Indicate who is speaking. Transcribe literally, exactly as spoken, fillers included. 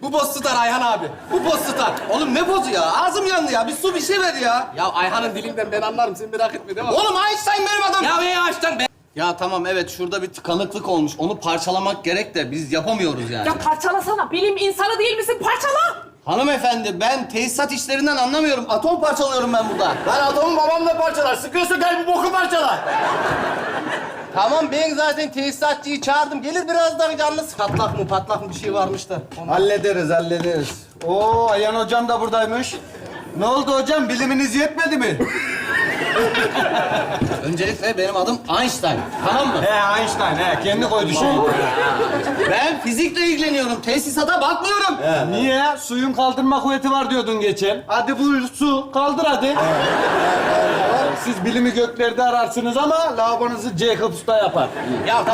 Speaker 1: Bu boz tutar Ayhan abi. Bu boz tutar.
Speaker 2: Oğlum ne bozu ya? Ağzım yandı ya. Bir su bir şey ver ya.
Speaker 1: Ya Ayhan'ın dilinden ben anlarım. Sen merak etme değil mi?
Speaker 2: Oğlum Einstein benim adam.
Speaker 1: Ya be açtan be.
Speaker 2: Ya tamam evet şurada bir tıkanıklık olmuş. Onu parçalamak gerek de biz yapamıyoruz yani.
Speaker 3: Ya parçalasana. Bilim insanı değil misin? Parçala.
Speaker 2: Hanımefendi ben tesisat işlerinden anlamıyorum. Atom parçalıyorum ben burada.
Speaker 4: Lan atomu babam da parçalar. Sıkıyorsa gel bu boku parçala.
Speaker 2: Tamam ben zaten tesisatçıyı çağırdım. Gelir birazdan yalnız. Patlak mı patlak mı bir şey varmış da. Onu-
Speaker 4: Hallederiz, hallederiz. Oo, Ayhan hocam da buradaymış. Ne oldu hocam? Biliminiz yetmedi mi?
Speaker 2: Öncelikle benim adım Einstein. Tamam mı?
Speaker 4: He, Einstein, he. Kendi koydu şeyi.
Speaker 2: Ben fizikle ilgileniyorum. Tesisata bakmıyorum.
Speaker 4: Niye? Suyun kaldırma kuvveti var diyordun geçen. Hadi buyur su, kaldır hadi. Siz bilimi göklerde ararsınız ama lavabonuzu Jacob Usta yapar.
Speaker 2: Ya tamam.